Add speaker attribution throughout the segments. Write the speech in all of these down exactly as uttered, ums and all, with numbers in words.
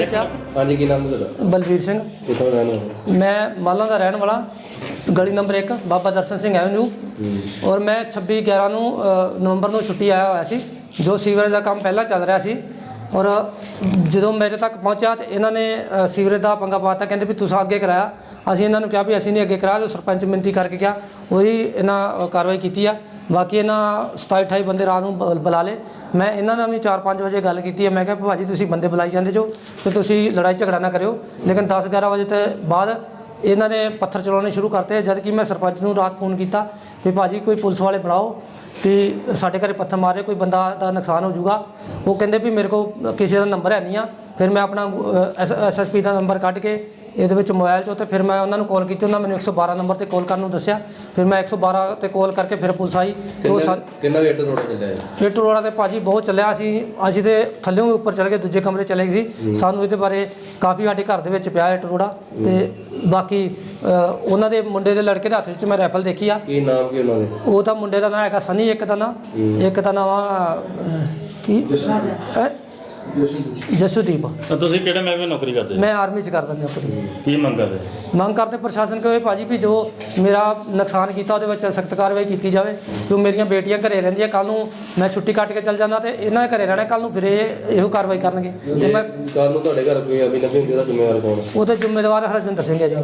Speaker 1: 'ਚ ਆ।
Speaker 2: ਹਾਂਜੀ, ਕੀ ਨਾਮ ਤੁਹਾਡਾ?
Speaker 1: ਬਲਵੀਰ ਸਿੰਘ।
Speaker 2: ਕਿੱਥੋਂ ਰਹਿਣ ਵਾਲੇ?
Speaker 1: ਮੈਂ ਮਾਲਾਂ ਦਾ ਰਹਿਣ ਵਾਲਾ, ਗਲੀ ਨੰਬਰ ਇੱਕ, ਬਾਬਾ ਦਰਸ਼ਨ ਸਿੰਘ ਐਵਨਿਊ। ਔਰ ਮੈਂ ਛੱਬੀ ਗਿਆਰਾਂ ਨੂੰ ਨਵੰਬਰ ਨੂੰ ਛੁੱਟੀ ਆਇਆ ਹੋਇਆ ਸੀ। ਜੋ ਸੀਵਰੇਜ ਦਾ ਕੰਮ ਪਹਿਲਾਂ ਚੱਲ ਰਿਹਾ ਸੀ ਔਰ ਜਦੋਂ ਮੇਰੇ ਤੱਕ ਪਹੁੰਚਿਆ ਤਾਂ ਇਹਨਾਂ ਨੇ ਸੀਵਰੇਜ ਦਾ ਪੰਗਾ ਪਾਤਾ। ਕਹਿੰਦੇ ਵੀ ਤੁਸੀਂ ਅੱਗੇ ਕਰਾਇਆ। ਅਸੀਂ ਇਹਨਾਂ ਨੂੰ ਕਿਹਾ ਵੀ ਅਸੀਂ ਨਹੀਂ ਅੱਗੇ ਕਰਾਇਆ। ਜੋ ਸਰਪੰਚ ਮਿਹਨਤੀ ਕਰਕੇ ਕਿਹਾ ਉਹੀ ਇਹਨਾਂ ਕਾਰਵਾਈ ਕੀਤੀ ਆ। ਬਾਕੀ ਇਹਨਾਂ ਸਤਾਈ ਅਠਾਈ ਬੰਦੇ ਰਾਤ ਨੂੰ ਬ ਬੁਲਾ ਲਏ। ਮੈਂ ਇਹਨਾਂ ਨਾਲ ਵੀ ਚਾਰ ਪੰਜ ਵਜੇ ਗੱਲ ਕੀਤੀ ਹੈ। ਮੈਂ ਕਿਹਾ ਭਾਜੀ ਤੁਸੀਂ ਬੰਦੇ ਬੁਲਾਈ ਜਾਂਦੇ ਜੋ ਅਤੇ ਤੁਸੀਂ ਲੜਾਈ ਝਗੜਾ ਨਾ ਕਰਿਓ। ਲੇਕਿਨ ਦਸ ਗਿਆਰਾਂ ਵਜੇ ਤੋਂ ਬਾਅਦ ਇਹਨਾਂ ਨੇ ਪੱਥਰ ਚਲਾਉਣੇ ਸ਼ੁਰੂ ਕਰਤੇ। ਜਦ ਕਿ ਮੈਂ ਸਰਪੰਚ ਨੂੰ ਰਾਤ ਫੋਨ ਕੀਤਾ ਵੀ ਭਾਜੀ ਕੋਈ ਪੁਲਿਸ ਵਾਲੇ ਬੁਲਾਓ ਵੀ ਸਾਡੇ ਘਰੇ ਪੱਥਰ ਮਾਰੇ, ਕੋਈ ਬੰਦਾ ਦਾ ਨੁਕਸਾਨ ਹੋ ਜਾਊਗਾ। ਉਹ ਕਹਿੰਦੇ ਵੀ ਮੇਰੇ ਕੋਲ ਕਿਸੇ ਦਾ ਨੰਬਰ ਹੈ ਨਹੀਂ ਆ। ਫਿਰ ਮੈਂ ਆਪਣਾ ਐਸ ਐਸ ਐਸ ਪੀ ਦਾ ਨੰਬਰ ਕੱਢ ਕੇ ਇਹਦੇ ਵਿੱਚ ਮੋਬਾਈਲ 'ਚੋਂ, ਅਤੇ ਫਿਰ ਮੈਂ ਉਹਨਾਂ ਨੂੰ ਕਾਲ ਕੀਤੀ। ਉਹਨਾਂ ਮੈਨੂੰ ਇੱਕ ਸੌ ਬਾਰਾਂ ਨੰਬਰ 'ਤੇ ਕਾਲ ਕਰਨ ਨੂੰ ਦੱਸਿਆ। ਫਿਰ ਮੈਂ ਇੱਕ ਸੌ ਬਾਰਾਂ 'ਤੇ ਕਾਲ ਕਰਕੇ ਫਿਰ ਪੁਲਿਸ ਆਈ।
Speaker 2: ਕਿੰਨਾ ਕਿੰਨਾ ਇੱਟ ਰੋੜਾ ਚੱਲਿਆ?
Speaker 1: ਇੱਟ ਰੋੜਾ ਤੇ ਭਾਜੀ ਬਹੁਤ ਚੱਲਿਆ। ਅਸੀਂ ਅਸੀਂ ਤੇ ਥੱਲਿਓਂ ਵੀ ਉੱਪਰ ਚਲੇ ਗਏ, ਦੂਜੇ ਕਮਰੇ ਚਲੇ ਗਏ ਸੀ। ਸਾਨੂੰ ਇਹਦੇ ਬਾਰੇ ਕਾਫੀ ਸਾਡੇ ਘਰ ਦੇ ਵਿੱਚ ਪਿਆ ਇੱਟ ਰੋੜਾ। ਅਤੇ ਬਾਕੀ ਉਹਨਾਂ ਦੇ ਮੁੰਡੇ ਦੇ ਲੜਕੇ ਦੇ ਹੱਥ ਵਿੱਚ ਮੈਂ ਰਾਈਫਲ ਦੇਖੀ ਆ।
Speaker 2: ਕੀ ਨਾਮ ਕੀ ਉਹਨਾਂ ਦੇ?
Speaker 1: ਉਹ ਤਾਂ ਮੁੰਡੇ ਦਾ ਨਾਂ ਹੈਗਾ ਸਨੀ, ਇੱਕ ਦਾ ਨਾਂ ਇੱਕ ਦਾ ਨਾਂ ਵਾ ਕੀ ਜਸੂਦੀਪ।
Speaker 3: ਤੁਸੀਂ ਕਿਹੜੇ ਮਹਿਕਮੇ ਨੌਕਰੀ ਕਰਦੇ?
Speaker 1: ਮੈਂ ਆਰਮੀ 'ਚ ਕਰਦਾ ਨੌਕਰੀ।
Speaker 3: ਕੀ ਮੰਗ ਕਰਦੇ?
Speaker 1: ਮੰਗ ਕਰਦੇ ਪ੍ਰਸ਼ਾਸਨ ਕੋਲ ਭਾਜੀ ਵੀ ਜੋ ਮੇਰਾ ਨੁਕਸਾਨ ਕੀਤਾ ਉਹਦੇ ਵਿੱਚ ਸਖਤ ਕਾਰਵਾਈ ਕੀਤੀ ਜਾਵੇ। ਜੋ ਮੇਰੀਆਂ ਬੇਟੀਆਂ ਘਰੇ ਰਹਿੰਦੀਆਂ, ਕੱਲ੍ਹ ਨੂੰ ਮੈਂ ਛੁੱਟੀ ਕੱਟ ਕੇ ਚੱਲ ਜਾਂਦਾ ਅਤੇ ਇਹਨਾਂ ਦੇ ਘਰੇ ਰਹਿਣਾ। ਕੱਲ੍ਹ ਨੂੰ ਫਿਰ ਇਹ ਇਹੋ ਕਾਰਵਾਈ ਕਰਨਗੇ। ਅਤੇ ਮੈਂ
Speaker 2: ਕੱਲ੍ਹ ਨੂੰ ਤੁਹਾਡੇ ਘਰ ਕੋਈ ਅਭਿਨਵ ਹੁੰਦੀ ਦਾ ਜ਼ਿੰਮੇਵਾਰ ਕੌਣ?
Speaker 1: ਉਹਦੇ ਜ਼ਿੰਮੇਵਾਰ ਹਰਜਿੰਦਰ ਸਿੰਘ ਹੈ ਜੀ।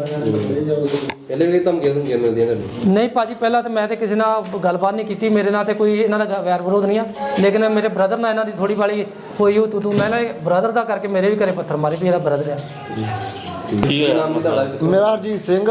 Speaker 2: ਪਹਿਲੇ ਵੀ ਧਮਕੀਆਂ ਧਮਕੀਆਂ ਮਿਲਦੀਆਂ ਤੁਹਾਨੂੰ?
Speaker 1: ਨਹੀਂ ਭਾਜੀ, ਪਹਿਲਾਂ ਤਾਂ ਮੈਂ ਤਾਂ ਕਿਸੇ ਨਾਲ ਗੱਲਬਾਤ ਨਹੀਂ ਕੀਤੀ। ਮੇਰੇ ਨਾਲ ਤਾਂ ਕੋਈ ਇਹਨਾਂ ਦਾ ਵੈਰ ਵਿਰੋਧ ਨਹੀਂ ਆ। ਲੇਕਿਨ ਮੇਰੇ ਬ੍ਰਦਰ ਨਾਲ ਇਹਨਾਂ ਦੀ ਥੋੜ੍ਹੀ ਵਾਲੀ ਹੋਈ ਉਹ ਤੂੰ ਮੈਂ ਨਾ ਬ੍ਰਦਰ ਦਾ ਕਰਕੇ ਮੇਰੇ ਵੀ ਘਰੇ ਪੱਥਰ ਮਾਰੇ ਵੀ ਇਹਦਾ ਬ੍ਰਦਰ ਆ।
Speaker 2: ਕੀ ਨਾਮ ਤੁਹਾਡਾ?
Speaker 4: ਮੇਰਾ ਹਰਜੀਤ ਸਿੰਘ।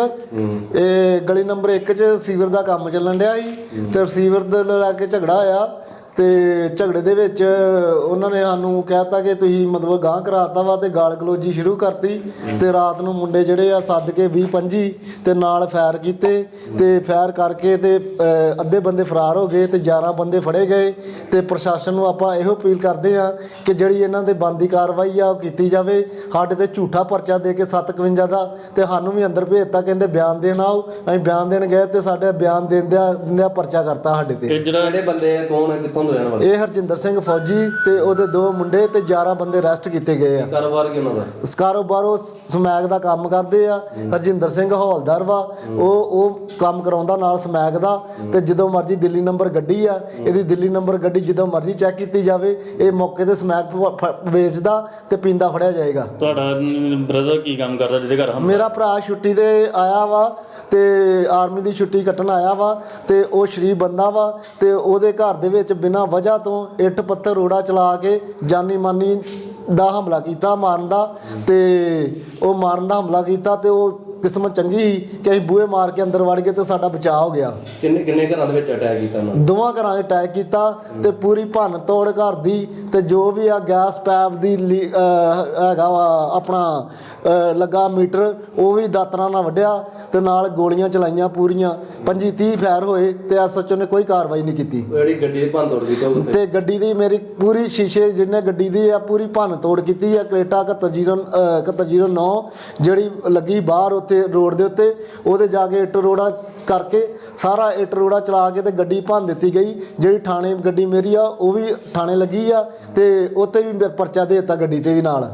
Speaker 4: ਇਹ ਗਲੀ ਨੰਬਰ ਇੱਕ 'ਚ ਸੀਵਰ ਦਾ ਕੰਮ ਚੱਲਣ ਡਿਆ ਸੀ ਤੇ ਸੀਵਰ ਦੇ ਲੈ ਕੇ ਝਗੜਾ ਹੋਇਆ। ਤੇ ਝਗੜੇ ਦੇ ਵਿੱਚ ਉਹਨਾਂ ਨੇ ਸਾਨੂੰ ਕਹਿਤਾ ਕਿ ਤੁਸੀਂ ਮਤਲਬ ਗਾਂਹ ਕਰਾਤਾ ਵਾ ਤੇ ਗਾਲ ਗਲੋਜੀ ਸ਼ੁਰੂ ਕਰਤੀ। ਤੇ ਰਾਤ ਨੂੰ ਮੁੰਡੇ ਜਿਹੜੇ ਆ ਸੱਦ ਕੇ ਵੀਹ ਪੰਜੀ ਤੇ ਨਾਲ ਫਾਇਰ ਕੀਤੇ ਤੇ ਫਾਇਰ ਕਰਕੇ ਤੇ ਅੱਧੇ ਬੰਦੇ ਫਰਾਰ ਹੋ ਗਏ ਤੇ ਗਿਆਰਾਂ ਬੰਦੇ ਫੜੇ ਗਏ। ਤੇ ਪ੍ਰਸ਼ਾਸਨ ਨੂੰ ਆਪਾਂ ਇਹੋ ਅਪੀਲ ਕਰਦੇ ਆ ਕਿ ਜਿਹੜੀ ਇਹਨਾਂ ਦੇ ਬਣਦੀ ਕਾਰਵਾਈ ਆ ਉਹ ਕੀਤੀ ਜਾਵੇ। ਸਾਡੇ ਤੇ ਝੂਠਾ ਪਰਚਾ ਦੇ ਕੇ ਸੱਤ ਇਕਵੰਜਾ ਦਾ ਤੇ ਸਾਨੂੰ ਵੀ ਅੰਦਰ ਭੇਜਤਾ। ਕਹਿੰਦੇ ਬਿਆਨ ਦੇਣ ਆਓ। ਅਸੀਂ ਬਿਆਨ ਦੇਣ ਗਏ ਤੇ ਸਾਡੇ ਬਿਆਨ ਦਿੰਦਿਆਂ ਦਿੰਦਿਆਂ ਪਰਚਾ ਕਰਤਾ ਸਾਡੇ ਤੇ।
Speaker 2: ਜਿਹੜੇ ਬੰਦੇ ਕੌਣ ਹੈ, ਕਿੱਥੋਂ ਦੇ ਰਹਿਣ ਵਾਲੇ?
Speaker 4: ਇਹ ਹਰਜਿੰਦਰ ਸਿੰਘ ਫੌਜੀ ਤੇ ਉਹਦੇ ਦੋ ਮੁੰਡੇ ਤੇ ਗਿਆਰਾਂ ਬੰਦੇ ਅਰੈਸਟ ਕੀਤੇ ਗਏ ਆ।
Speaker 2: ਕਾਰੋਬਾਰ ਕੀ ਉਹਨਾਂ ਦਾ?
Speaker 4: ਇਸ ਕਾਰੋਬਾਰ ਉਹ ਸਮੈਕ ਦਾ ਕੰਮ ਕਰਦੇ ਆ। ਹਰਜਿੰਦਰ ਸਿੰਘ ਹੌਲਦਾਰ ਵਾ। ਉਹ ਉਹ ਕੰਮ ਕਰਾਉਂਦਾ ਨਾਲ ਸਮੈਕ ਦਾ। ਤੇ ਜਦੋਂ ਮਰਜ਼ੀ ਦਿੱਲੀ ਨੰਬਰ ਗੱਡੀ ਆ ਇਹਦੀ, ਦਿੱਲੀ ਨੰਬਰ ਗੱਡੀ ਜਦੋਂ ਮਰਜ਼ੀ ਚੈੱਕ ਕੀਤੀ ਜਾਵੇ। ਇਹ ਮੌਕੇ ਤੇ ਸਮੈਕ ਵੇਚਦਾ ਤੇ ਪੀਂਦਾ ਫੜਿਆ ਜਾਏਗਾ।
Speaker 3: ਤੁਹਾਡਾ ਬ੍ਰਦਰ ਕੀ ਕੰਮ ਕਰਦਾ ਜਿਹਦੇ ਘਰ?
Speaker 4: ਮੇਰਾ ਭਰਾ ਛੁੱਟੀ ਤੇ ਆਇਆ ਵਾ ਤੇ ਆਰਮੀ ਦੀ ਛੁੱਟੀ ਕੱਟਣ ਆਇਆ ਵਾ ਤੇ ਉਹ ਸ਼ਰੀਫ ਬੰਦਾ ਵਾ। ਤੇ ਉਹਦੇ ਘਰ ਦੇ ਵਿੱਚ ਬਿਨਾਂ ਵਜ੍ਹਾ ਤੋਂ ਇੱਟ ਪੱਥਰ ਰੋੜਾ ਚਲਾ ਕੇ ਜਾਨੀ ਮਾਨੀ ਦਾ ਹਮਲਾ ਕੀਤਾ, ਮਾਰਨ ਦਾ। ਤੇ ਉਹ ਮਾਰਨ ਦਾ ਹਮਲਾ ਕੀਤਾ ਤੇ ਉਹ ਕਿਸਮਤ ਚੰਗੀ ਸੀ ਕਿ ਅਸੀਂ ਬੂਹੇ ਮਾਰ ਕੇ ਅੰਦਰ ਵੜ ਗਏ ਤੇ ਸਾਡਾ ਬਚਾਅ ਹੋ ਗਿਆ।
Speaker 2: ਕਿੰਨੇ ਕਿੰਨੇ ਘਰਾਂ ਦੇ ਵਿੱਚ ਅਟੈਕ ਕੀਤਾ ਉਹਨਾਂ ਨੇ?
Speaker 4: ਦੋਵਾਂ ਘਰਾਂ 'ਚ ਅਟੈਕ ਕੀਤਾ ਤੇ ਪੂਰੀ ਭੰਨ ਤੋੜ ਘਰ ਦੀ ਤੇ ਜੋ ਵੀ ਆ ਗੈਸ ਪੈਪ ਦੀ ਹੈਗਾ ਵਾ ਆਪਣਾ ਲੱਗਾ ਮੀਟਰ ਉਹ ਵੀ ਦਾਤਰਾਂ ਨਾਲ ਵੱਢਿਆ ਤੇ ਨਾਲ ਗੋਲੀਆਂ ਚਲਾਈਆਂ ਪੂਰੀਆਂ। ਪੰਜੀ ਤੀਹ ਫਾਇਰ ਹੋਏ ਤੇ ਐਸ ਐਚ ਓ ਨੇ ਕੋਈ ਕਾਰਵਾਈ ਨਹੀਂ ਕੀਤੀ।
Speaker 2: ਜਿਹੜੀ ਗੱਡੀ ਦੀ ਭੰਨ ਤੋੜ ਕੀਤੀ
Speaker 4: ਤੇ ਗੱਡੀ ਦੀ ਮੇਰੀ ਪੂਰੀ ਸ਼ੀਸ਼ੇ ਜਿਹਨੇ ਗੱਡੀ ਦੀ ਆ ਪੂਰੀ ਭੰਨ ਤੋੜ ਕੀਤੀ ਆ। ਕਰੇਟਾ ਇਕਹੱਤਰ ਜ਼ੀਰੋ ਇਕਹੱਤਰ ਜ਼ੀਰੋ ਨੌ ਜਿਹੜੀ ਲੱਗੀ ਬਾਹਰ ਉੱਥੇ ਰੋਡ ਦੇ ਉੱਤੇ, ਉਹਦੇ ਜਾ ਕੇ ਇੱਟ ਰੋੜਾ ਕਰਕੇ ਸਾਰਾ ਇੱਟ ਰੋੜਾ ਚਲਾ ਕੇ ਤੇ ਗੱਡੀ ਭੰਨ ਦਿੱਤੀ ਗਈ। ਜਿਹੜੀ ਥਾਣੇ ਗੱਡੀ ਮੇਰੀ ਆ ਉਹ ਵੀ ਥਾਣੇ ਲੱਗੀ ਆ ਤੇ ਉੱਥੇ ਵੀ ਪਰਚਾ ਦੇ ਦਿੱਤਾ ਗੱਡੀ ਤੇ ਵੀ ਨਾਲ।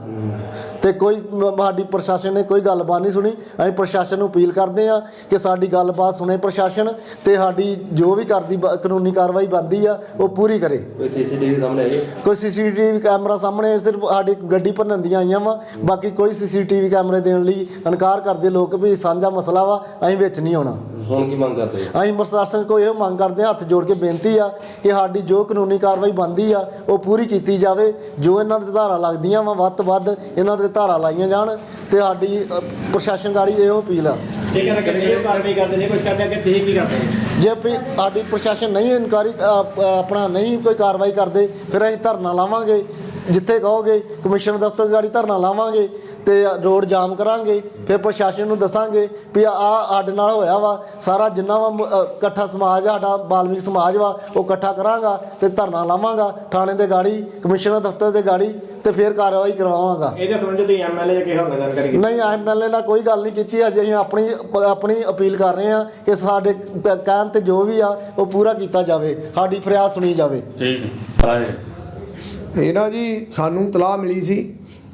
Speaker 4: ਤੇ ਕੋਈ ਸਾਡੀ ਪ੍ਰਸ਼ਾਸਨ ਨੇ ਕੋਈ ਗੱਲਬਾਤ ਨਹੀਂ ਸੁਣੀ। ਅਸੀਂ ਪ੍ਰਸ਼ਾਸਨ ਨੂੰ ਅਪੀਲ ਕਰਦੇ ਹਾਂ ਕਿ ਸਾਡੀ ਗੱਲਬਾਤ ਸੁਣੇ ਪ੍ਰਸ਼ਾਸਨ ਤੇ ਸਾਡੀ ਜੋ ਵੀ ਕਰਦੀ ਕਾਨੂੰਨੀ ਕਾਰਵਾਈ ਬਣਦੀ ਆ ਉਹ ਪੂਰੀ ਕਰੇ।
Speaker 2: ਕੋਈ ਸੀਸੀਟੀਵੀ ਸਾਹਮਣੇ ਆਈ?
Speaker 4: ਕੋਈ ਸੀਸੀਟੀਵੀ ਕੈਮਰਾ ਸਾਹਮਣੇ ਸਿਰਫ ਸਾਡੀ ਗੱਡੀ ਭੰਨਣ ਦੀਆਂ ਆਈਆਂ ਵਾ। ਬਾਕੀ ਕੋਈ ਸੀਸੀਟੀਵੀ ਕੈਮਰੇ ਦੇਣ ਲਈ ਇਨਕਾਰ ਕਰਦੇ ਲੋਕ ਵੀ ਸਾਂਝਾ ਮਸਲਾ ਵਾ, ਅਸੀਂ ਵਿੱਚ ਨਹੀਂ ਆਉਣਾ।
Speaker 2: ਹੁਣ ਕੀ ਮੰਗ ਕਰਦੇ?
Speaker 4: ਅਸੀਂ ਪ੍ਰਸ਼ਾਸਨ ਕੋਲ ਇਹ ਮੰਗ ਕਰਦੇ ਹਾਂ, ਹੱਥ ਜੋੜ ਕੇ ਬੇਨਤੀ ਆ ਕਿ ਸਾਡੀ ਜੋ ਕਾਨੂੰਨੀ ਕਾਰਵਾਈ ਬਣਦੀ ਆ ਉਹ ਪੂਰੀ ਕੀਤੀ ਜਾਵੇ। ਜੋ ਇਹਨਾਂ ਦੇ ਧਾਰਾ ਲੱਗਦੀਆਂ ਵਾ ਵੱਧ ਤੋਂ ਵੱਧ ਇਹਨਾਂ ਦੇ ਧਾਰਾ ਲਾਈਆਂ ਜਾਣ ਤੇ ਸਾਡੀ ਪ੍ਰਸ਼ਾਸਨ ਗਾੜੀ ਇਹੋ ਅਪੀਲ ਆ।
Speaker 5: ਜੇ ਕਾਰਵਾਈ ਕਰਦੇ ਨੇ ਕੁਝ ਕਰਦੇ ਅੱਗੇ ਤੁਸੀਂ ਕੀ ਕਰਦੇ?
Speaker 4: ਜੇ ਸਾਡੀ ਪ੍ਰਸ਼ਾਸਨ ਨਹੀਂ ਇਨਕੁਆਰੀ ਆਪਣਾ ਨਹੀਂ ਕੋਈ ਕਾਰਵਾਈ ਕਰਦੇ ਫਿਰ ਅਸੀਂ ਧਰਨਾ ਲਾਵਾਂਗੇ। ਜਿੱਥੇ ਕਹੋਗੇ ਕਮਿਸ਼ਨ ਦਫ਼ਤਰ ਗਾੜੀ ਧਰਨਾ ਲਾਵਾਂਗੇ ਤੇ ਰੋਡ ਜਾਮ ਕਰਾਂਗੇ। ਫਿਰ ਪ੍ਰਸ਼ਾਸਨ ਨੂੰ ਦੱਸਾਂਗੇ ਵੀ ਆਹ ਸਾਡੇ ਨਾਲ ਹੋਇਆ ਵਾ। ਸਾਰਾ ਜਿੰਨਾ ਵਾ ਇਕੱਠਾ ਸਮਾਜ ਸਾਡਾ ਬਾਲਮੀਕ ਸਮਾਜ ਵਾ ਉਹ ਇਕੱਠਾ ਕਰਾਂਗਾ ਤੇ ਧਰਨਾ ਲਾਵਾਂਗਾ ਥਾਣੇ ਦੇ ਗਾੜੀ, ਕਮਿਸ਼ਨਰ ਦਫ਼ਤਰ ਦੇ ਗਾੜੀ ਤੇ ਫਿਰ ਕਾਰਵਾਈ ਕਰਵਾਵਾਂਗਾ।
Speaker 5: ਇਹਦੇ ਸੰਬੰਧ ਤੁਸੀਂ ਐਮ ਐਲ ਏ ਜਾਂ ਕਿਸੇ ਹੋਰ ਨਾਲ ਗੱਲ ਕਰੀ?
Speaker 4: ਨਹੀਂ, ਐਮ ਐਲ ਏ ਨਾਲ ਕੋਈ ਗੱਲ ਨਹੀਂ ਕੀਤੀ। ਅਜੇ ਅਸੀਂ ਆਪਣੀ ਆਪਣੀ ਅਪੀਲ ਕਰ ਰਹੇ ਹਾਂ ਕਿ ਸਾਡੇ ਕਹਿਣ ਤੇ ਜੋ ਵੀ ਆ ਉਹ ਪੂਰਾ ਕੀਤਾ ਜਾਵੇ, ਸਾਡੀ ਫਰਿਆਦ ਸੁਣੀ ਜਾਵੇ।
Speaker 3: ਠੀਕ ਹੈ।
Speaker 6: ਇਹ ਨਾ ਜੀ ਸਾਨੂੰ ਤਲਾਹ ਮਿਲੀ ਸੀ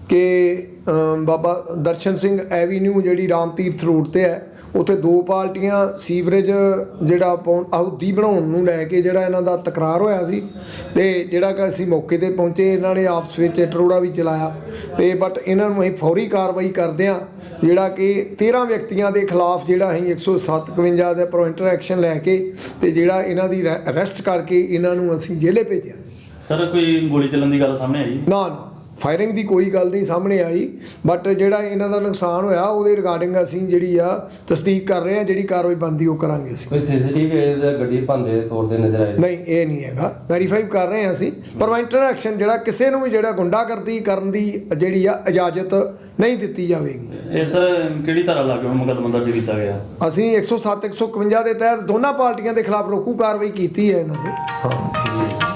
Speaker 6: ਕਿ ਅਮ, ਬਾਬਾ ਦਰਸ਼ਨ ਸਿੰਘ ਐਵੀਨਿਊ ਜਿਹੜੀ ਰਾਮ ਤੀਰਥ ਰੋਡ ਤੇ ਹੈ, ਉੱਥੇ ਦੋ ਪਾਰਟੀਆਂ ਸੀਵਰੇਜ ਜਿਹੜਾ ਪਾਉਣ ਆਹੁਦੀ ਬਣਾਉਣ ਨੂੰ ਲੈ ਕੇ ਜਿਹੜਾ ਇਹਨਾਂ ਦਾ ਤਕਰਾਰ ਹੋਇਆ ਸੀ ਤੇ ਜਿਹੜਾ ਕਿ ਅਸੀਂ ਮੌਕੇ ਤੇ ਪਹੁੰਚੇ, ਇਹਨਾਂ ਨੇ ਆਪਸ ਵਿੱਚ ਟਰੋੜਾ ਵੀ ਚਲਾਇਆ ਤੇ ਬਟ ਇਹਨਾਂ ਨੂੰ ਅਸੀਂ ਫੌਰੀ ਕਾਰਵਾਈ ਕਰਦੇ ਹਾਂ, ਜਿਹੜਾ ਕਿ ਤੇਰ੍ਹਾਂ ਵਿਅਕਤੀਆਂ ਦੇ ਖਿਲਾਫ ਜਿਹੜਾ ਅਸੀਂ ਇੱਕ ਸੌ ਸੱਤ ਇਕਵੰਜਾ ਦੇ ਪ੍ਰੋਇੰਟਰ ਐਕਸ਼ਨ ਲੈ ਕੇ ਤੇ ਜਿਹੜਾ ਇਹਨਾਂ ਦੀ ਅਰੈਸਟ ਕਰਕੇ ਇਹਨਾਂ ਨੂੰ ਅਸੀਂ ਜੇਲੇ ਭੇਜਿਆ।
Speaker 3: ਸਰ ਕੋਈ ਗੋਲੀ ਚੱਲਣ ਦੀ ਗੱਲ ਸਾਹਮਣੇ ਆਈ?
Speaker 6: ਨਾ ਨਾ ਫਾਇਰਿੰਗ ਦੀ ਕੋਈ ਗੱਲ ਨਹੀਂ ਸਾਹਮਣੇ ਆਈ, ਬਟ ਜਿਹੜਾ ਇਹਨਾਂ ਦਾ ਨੁਕਸਾਨ ਹੋਇਆ ਉਹਦੇ ਰਿਗਾਰਡਿੰਗ ਅਸੀਂ ਜਿਹੜੀ ਆ ਤਸਦੀਕ ਕਰ ਰਹੇ ਹਾਂ, ਜਿਹੜੀ ਕਾਰਵਾਈ ਬਣਦੀ ਉਹ ਕਰਾਂਗੇ ਅਸੀਂ।
Speaker 2: ਕੋਈ ਸੀਸੀਟੀਵੀ ਇਹਦਾ ਗੱਡੀ ਭੰਦੇ ਤੋੜਦੇ ਨਜ਼ਰ ਆਏ?
Speaker 6: ਨਹੀਂ, ਇਹ ਨਹੀਂ ਹੈਗਾ, ਵੈਰੀਫਾਈ ਕਰ ਰਹੇ ਹਾਂ ਅਸੀਂ। ਪ੍ਰੀਵੈਂਟਿਵ ਐਕਸ਼ਨ ਜਿਹੜਾ ਕਿਸੇ ਨੂੰ ਵੀ ਜਿਹੜਾ ਗੁੰਡਾਗਰਦੀ ਕਰਨ ਦੀ ਜਿਹੜੀ ਆ ਇਜਾਜ਼ਤ ਨਹੀਂ ਦਿੱਤੀ ਜਾਵੇਗੀ।
Speaker 3: ਇਹ ਸਰ ਕਿਹੜੀ ਧਾਰਾ ਲਾ ਕੇ ਮੁਕੱਦਮਾ ਦਰਜ ਕੀਤਾ ਗਿਆ?
Speaker 6: ਅਸੀਂ ਇੱਕ ਸੌ ਸੱਤ ਇੱਕ ਸੌ ਇਕਵੰਜਾ ਦੇ ਤਹਿਤ ਦੋਨਾਂ ਪਾਰਟੀਆਂ ਦੇ ਖਿਲਾਫ ਰੋਕੂ ਕਾਰਵਾਈ ਕੀਤੀ ਹੈ ਇਹਨਾਂ ਦੇ। ਹਾਂ।